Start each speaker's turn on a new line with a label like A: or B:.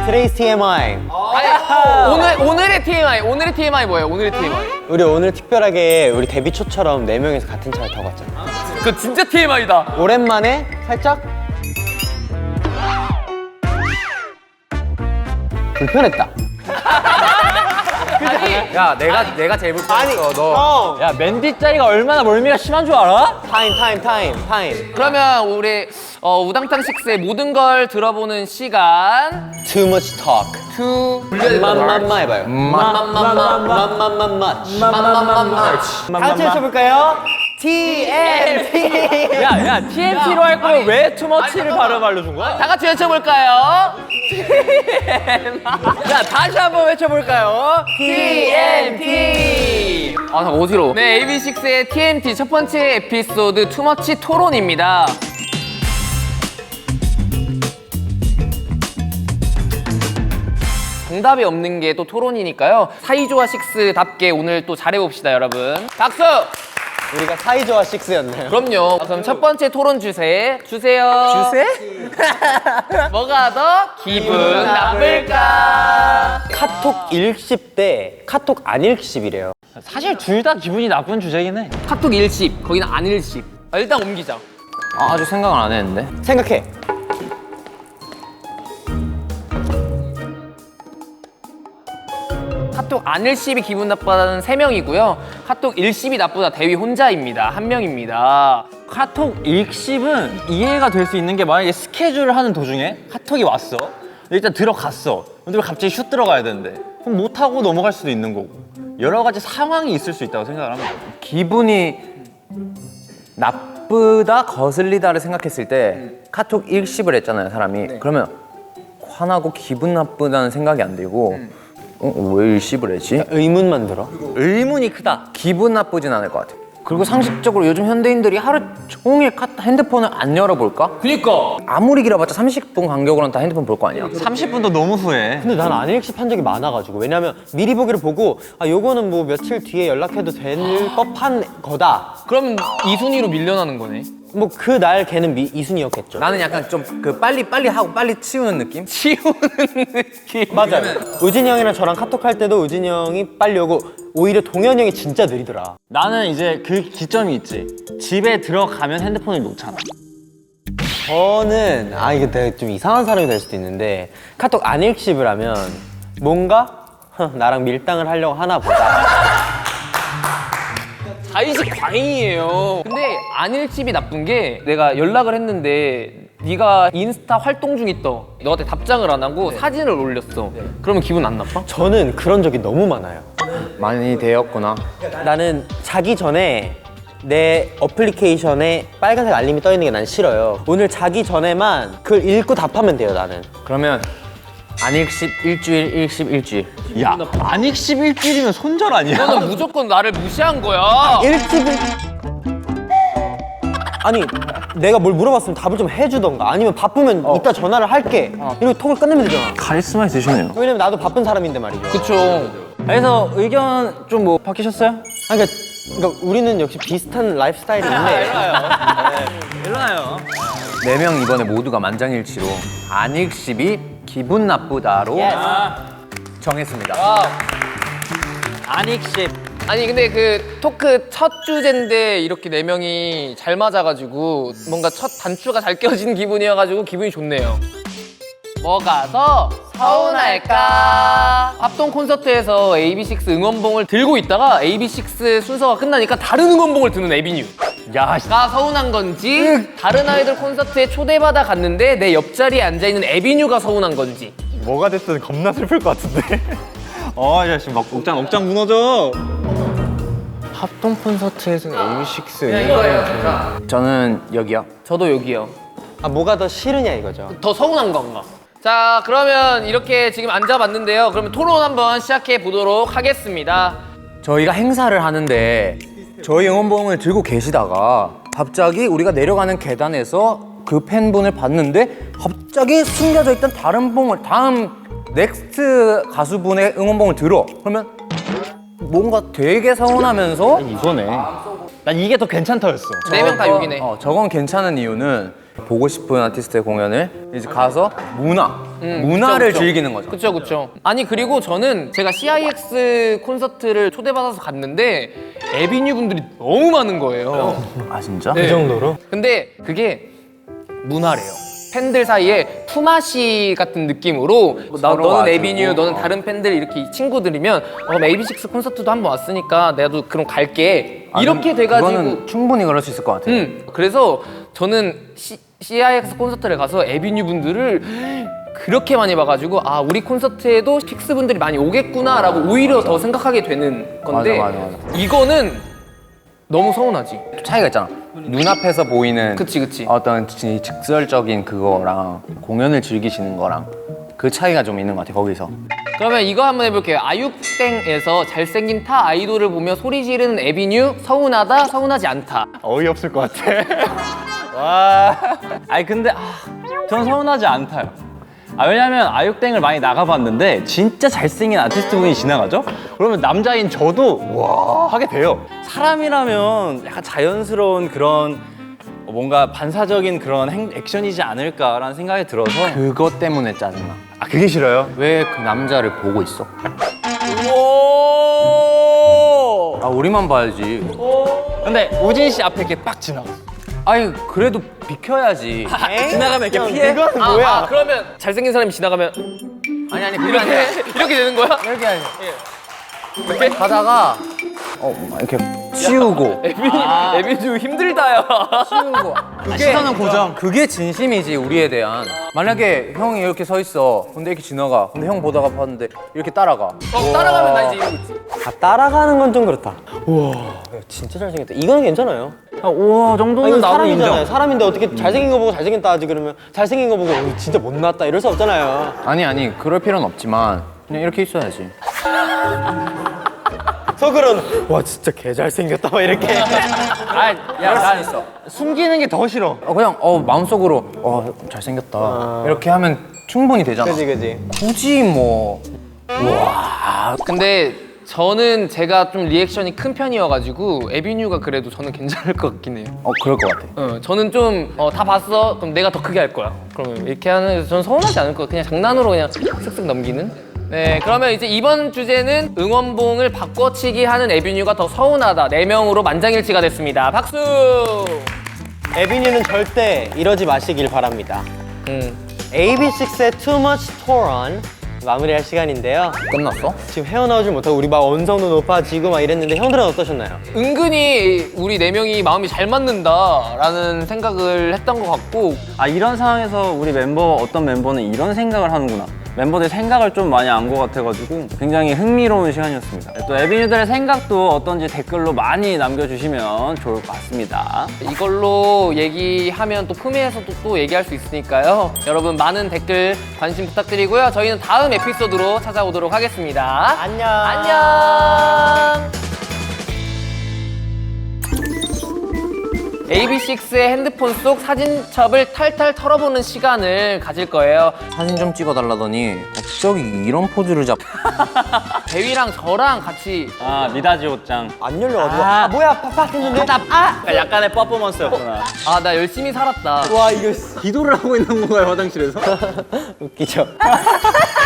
A: Today's TMI.
B: 아니, 오늘의 TMI 뭐예요? 오늘의 TMI.
A: 우리 오늘 특별하게 우리 데뷔 초처럼 4명이서 같은 차를 타고 왔잖아.
B: 그 진짜 TMI다.
A: 오랜만에 살짝 불편했다.
B: 야, 내가 제일 불편했어. 너.
A: 형.
C: 야, 맨디 짜이가 얼마나 멀미가 심한 줄 알아?
A: 타임.
B: 그러면 우리 우당탕 식스의 모든 걸 들어보는 시간.
A: Too much talk. 맘맘마 해봐요. 다 같이 해볼까요? TMT.
C: 야, TNT로 할 거면 왜 투머치를 발음 알려준 거야?
B: 다 같이 외쳐볼까요?
C: 야, 다시 한번 외쳐볼까요?
B: TMT. 아, 잠깐 어지러워. 네, AB6IX의 TMT 첫 번째 에피소드 투머치 토론입니다. 정답이 없는 게 또 토론이니까요. 사이좋아 식스답게 오늘 또 잘해봅시다, 여러분. 박수!
A: 우리가 사이좋아 6였나요?
B: 그럼요. 그럼 첫 번째 토론 주세요.
A: 주세?
B: 뭐가 더 기분 나쁠까?
A: 카톡 읽씹 대 카톡 안 읽씹이래요.
C: 사실 둘 다 기분이 나쁜 주제긴 해.
B: 카톡 일십, 거기는 안 일십. 일단 옮기자.
C: 아직 생각을 안 했는데.
A: 생각해.
B: 카톡 안 일십이 기분 나쁘다는 3명이고요. 카톡 일십이 나쁘다 대위 혼자입니다. 1명입니다.
C: 카톡 읽씹은 이해가 될 수 있는 게 만약에 스케줄을 하는 도중에 카톡이 왔어. 일단 들어갔어. 근데 왜 갑자기 슛 들어가야 되는데? 그럼 못하고 넘어갈 수도 있는 거고. 여러 가지 상황이 있을 수 있다고 생각을 합니다.
D: 기분이 나쁘다, 거슬리다를 생각했을 때 카톡 일십을 했잖아요, 사람이. 그러면 화나고 기분 나쁘다는 생각이 안 들고 왜 일십을 했지?
A: 의문만 들어.
D: 의문이 크다. 기분 나쁘진 않을 것 같아요. 그리고 상식적으로 요즘 현대인들이 하루 종일 핸드폰을 안 열어볼까?
B: 그니까.
D: 아무리 길어봤자 30분 간격으로는 다 핸드폰 볼 거 아니야.
C: 30분도 너무 후해.
A: 근데 난 안 읽씹한 적이 많아가지고. 왜냐면 미리 보기를 보고 요거는 뭐 며칠 뒤에 연락해도 될 법한 거다.
B: 그럼 이 순위로 밀려나는 거네.
A: 뭐 그날 걔는 이순이었겠죠.
D: 나는 약간 좀 그 빨리 하고 빨리 치우는 느낌?
B: 치우는 느낌.
A: 맞아요. 우진이 형이랑 저랑 카톡 할 때도 우진이 형이 빨리 오고 오히려 동현이 형이 진짜 느리더라.
C: 나는 이제 그 기점이 있지. 집에 들어가면 핸드폰을 놓잖아.
A: 저는 이게 내가 좀 이상한 사람이 될 수도 있는데 카톡 안 읽씹을 하면 뭔가 나랑 밀당을 하려고 하나 보다.
B: 자의식 광이에요. 근데 안 일집이 나쁜 게 내가 연락을 했는데 네가 인스타 활동 중이 떠. 너한테 답장을 안 하고 사진을 올렸어. 그러면 기분 안 나빠?
A: 저는 그런 적이 너무 많아요.
D: 많이 되었구나.
A: 나는 자기 전에 내 어플리케이션에 빨간색 알림이 떠 있는 게 난 싫어요. 오늘 자기 전에만 그걸 읽고 답하면 돼요, 나는.
D: 그러면 안 읽씹 일주일, 읽씹 일주일.
C: 야, 안 읽씹 일주일이면 손절 아니야?
B: 너는 무조건 나를 무시한 거야.
A: 읽씹을 아니 내가 뭘 물어봤으면 답을 좀 해주던가 아니면 바쁘면 이따 전화를 할게 이러고 톡을 끝내면 되잖아.
C: 카리스마 있으시네요.
A: 왜냐면 나도 바쁜 사람인데 말이죠.
B: 그쵸.
C: 그래서 의견 좀 뭐 바뀌셨어요?
A: 그러니까 우리는 역시 비슷한 라이프 스타일이 있네.
C: 일어나요.
D: 4명 이번에 모두가 만장일치로 안 읽씹이 기분 나쁘다로 정했습니다.
C: 안 읽씹.
B: 아니 근데 그 토크 첫 주제인데 이렇게 4명이 잘 맞아가지고 뭔가 첫 단추가 잘 껴진 기분이어가지고 기분이 좋네요. 뭐가 더 서운할까? 합동 콘서트에서 AB6IX 응원봉을 들고 있다가 AB6IX 순서가 끝나니까 다른 응원봉을 드는 에비뉴. 가 서운한 건지 다른 아이돌 콘서트에 초대받아 갔는데 내 옆자리에 앉아있는 에비뉴가 서운한 건지.
C: 뭐가 됐든 겁나 슬플 것 같은데. 야, 지금 막 억장 무너져.
D: 합동 콘서트에서 AB6IX
B: 이거예요.
D: 저는 여기요.
B: 저도 여기요.
A: 뭐가 더 싫으냐 이거죠.
B: 더 서운한 건가? 자, 그러면 이렇게 지금 앉아봤는데요. 그러면 토론 한번 시작해 보도록 하겠습니다.
D: 저희가 행사를 하는데 저희 응원봉을 들고 계시다가 갑자기 우리가 내려가는 계단에서 그 팬분을 봤는데 갑자기 숨겨져 있던 다른 봉을 다음 넥스트 가수분의 응원봉을 들어. 그러면 뭔가 되게 서운하면서
C: 이거네. 난 이게 더 괜찮다였어.
B: 4명 다 여기네.
D: 저건 괜찮은 이유는 보고 싶은 아티스트의 공연을 이제 가서 문화 문화를
B: 그쵸, 그쵸.
D: 즐기는 거죠.
B: 그쵸 그쵸. 아니 그리고 저는 제가 CIX 콘서트를 초대받아서 갔는데 에비뉴 분들이 너무 많은 거예요.
D: 아 진짜?
B: 네.
A: 정도로?
B: 근데 그게 문화래요. 팬들 사이에 품앗이 같은 느낌으로
D: 서로
B: 너는
D: 와주고.
B: 에비뉴, 너는 다른 팬들 이렇게 친구들이면 AB6 콘서트도 한번 왔으니까 나도 그럼 갈게. 이렇게 돼가지고
D: 그거는 충분히 그럴 수 있을 것 같아요.
B: 그래서 저는 CIX 콘서트를 가서 에비뉴 분들을 그렇게 많이 봐가지고 아 우리 콘서트에도 픽스 분들이 많이 오겠구나라고 오히려 더 생각하게 되는 건데
D: 맞아.
B: 이거는 너무 서운하지.
D: 차이가 있잖아. 눈앞에서 보이는
B: 그치.
D: 어떤 직설적인 그거랑 공연을 즐기시는 거랑 그 차이가 좀 있는 것 같아 거기서.
B: 그러면 이거 한번 해볼게요. 아육땡에서 잘생긴 타 아이돌을 보며 소리 지르는 에비뉴 서운하다 서운하지 않다.
C: 어이없을 것 같아. 와. 아니 근데 전 서운하지 않다요. 왜냐면 아육땡을 많이 나가봤는데 진짜 잘생긴 아티스트 분이 지나가죠? 그러면 남자인 저도 와 하게 돼요. 사람이라면 약간 자연스러운 그런 뭔가 반사적인 그런 액션이지 않을까라는 생각이 들어서
D: 그것 때문에 짜증나.
C: 그게 싫어요?
D: 왜 그 남자를 보고 있어? 아 우리만 봐야지.
C: 근데 우진 씨 앞에 이렇게 빡 지나갔어.
D: 아니 그래도 비켜야지.
C: 지나가면 이렇게 피해?
A: 이건 뭐야?
B: 그러면 잘생긴 사람이 지나가면
D: 아니 그게 아니라
B: 이렇게 되는 거야?
D: 이렇게 아니라
B: 이렇게?
D: 가다가 이렇게 치우고
B: 에비뉴 힘들다요.
D: 치우고
C: 시선은 고정.
D: 그게 진심이지 우리에 대한. 만약에 형이 이렇게 서 있어. 근데 이렇게 지나가. 근데 형 보다가 봤는데 이렇게 따라가.
B: 따라가면 나 이제 이러고 있지.
A: 따라가는 건 좀 그렇다. 우와, 진짜 잘생겼다. 이거는 괜찮아요.
C: 우와 정도는
A: 이건
C: 나도
A: 사람이잖아요.
C: 인정.
A: 사람인데 어떻게 잘생긴 거 보고 잘생겼다 하지 그러면 잘생긴 거 보고 진짜 못났다 이럴 수 없잖아요.
D: 아니 그럴 필요는 없지만 그냥 이렇게 있어야지.
A: 속으로는 와 진짜 개 잘생겼다 막 이렇게.
C: 난 있어. 숨기는 게 더 싫어.
D: 그냥 마음속으로 잘생겼다 이렇게 하면 충분히 되잖아.
A: 그지.
D: 굳이 뭐
B: 근데 저는 제가 좀 리액션이 큰 편이어가지고 에비뉴가 그래도 저는 괜찮을 것 같긴 해요.
D: 그럴 것 같아.
B: 저는 좀 다 봤어? 그럼 내가 더 크게 할 거야. 그러면 이렇게 하는 저는 서운하지 않을 것 같아요. 그냥 장난으로 그냥 쓱쓱 넘기는. 네, 그러면 이제 이번 주제는 응원봉을 바꿔치기 하는 에비뉴가 더 서운하다. 4명으로 만장일치가 됐습니다. 박수!
A: 에비뉴는 절대 이러지 마시길 바랍니다. AB6IX의 Too Much Tour On 마무리할 시간인데요.
D: 끝났어?
A: 지금 헤어나오질 못하고 우리 막 언성도 높아지고 막 이랬는데 형들은 어떠셨나요?
B: 은근히 우리 4명이 마음이 잘 맞는다라는 생각을 했던 것 같고
C: 이런 상황에서 우리 어떤 멤버는 이런 생각을 하는구나. 멤버들 생각을 좀 많이 안 것 같아가지고 굉장히 흥미로운 시간이었습니다. 또 에비뉴들의 생각도 어떤지 댓글로 많이 남겨주시면 좋을 것 같습니다.
B: 이걸로 얘기하면 또 품위에서도 또 얘기할 수 있으니까요. 여러분 많은 댓글 관심 부탁드리고요. 저희는 다음 에피소드로 찾아오도록 하겠습니다.
A: 안녕.
B: 안녕. AB6IX의 핸드폰 속 사진첩을 탈탈 털어보는 시간을 가질 거예요.
D: 사진 좀 찍어달라더니 갑자기 이런 포즈를 잡.
B: 대위랑 저랑 같이
C: 미다지 옷장.
A: 안 열려가지고 뭐야 팍팍 했는데
C: 약간의 퍼포먼스였구나.
B: 나 열심히 살았다.
A: 와 이거
C: 기도를 하고 있는 건가요, 화장실에서?
A: 웃기죠.